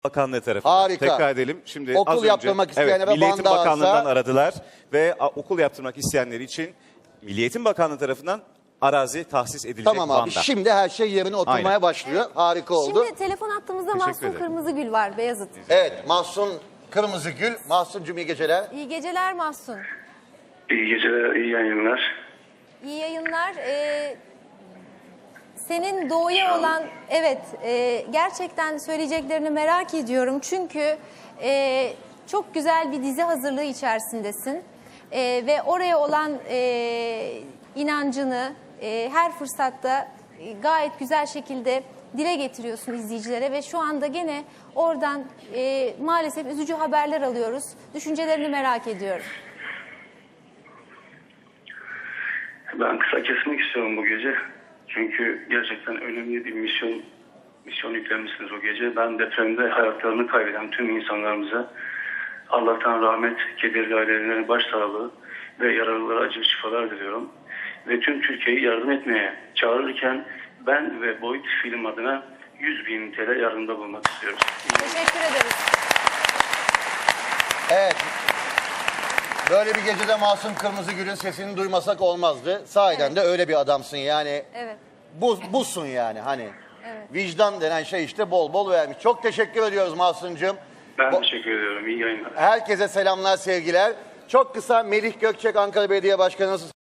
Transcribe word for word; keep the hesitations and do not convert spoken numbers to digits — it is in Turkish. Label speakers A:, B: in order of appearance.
A: Bakanlığı tarafından.
B: Harika.
A: Tekrar edelim. Şimdi
B: Okul
A: az önce,
B: yaptırmak isteyenlere
A: evet, Milli Eğitim
B: Van'da
A: Bakanlığı'ndan
B: alsa-
A: aradılar ve a, okul yaptırmak isteyenler için Milli Eğitim Bakanlığı tarafından arazi tahsis edilecek
B: Tamam abi,
A: Van'da.
B: şimdi her şey yerine oturmaya
A: Aynen.
B: başlıyor. Harika oldu.
C: Şimdi telefon attığımızda
A: Teşekkür
C: Mahsun
A: ederim.
C: Kırmızıgül var, Beyazıt.
B: Evet, Mahsun Kırmızıgül. Mahsun'cum iyi geceler.
C: İyi geceler Mahsun.
D: İyi geceler, iyi yayınlar.
C: İyi yayınlar. Ee, senin doğuya olan, evet, e, gerçekten söyleyeceklerini merak ediyorum. Çünkü e, çok güzel bir dizi hazırlığı içerisindesin. E, ve oraya olan e, inancını e, her fırsatta e, gayet güzel şekilde dile getiriyorsun izleyicilere. Ve şu anda gene oradan e, maalesef üzücü haberler alıyoruz. Düşüncelerini merak ediyorum.
D: Ben kısa kesmek istiyorum bu gece. Çünkü gerçekten önemli bir misyon misyon yüklenmişsiniz o gece. Ben depremde hayatlarını kaybeden tüm insanlarımıza Allah'tan rahmet, kederli ailelerine başsağlığı ve yaralılara acil şifalar diliyorum. Ve tüm Türkiye'yi yardım etmeye çağırırken ben ve Boyut Film adına yüz bin T L yardımda bulunmak istiyoruz.
C: Teşekkür ederiz.
B: Evet. Böyle bir gecede Mahsun Kırmızıgül'ün sesini duymasak olmazdı. Sahiden
C: Evet.
B: de öyle bir adamsın yani.
C: Evet.
B: Bu, busun yani hani.
C: Evet.
B: Vicdan denen şey işte bol bol vermiş. Çok teşekkür ediyoruz Mahsun'cum.
D: Ben
B: Bu-
D: teşekkür ediyorum. İyi yayınlar.
B: Herkese selamlar, sevgiler. Çok kısa Melih Gökçek, Ankara Belediye Başkanımız.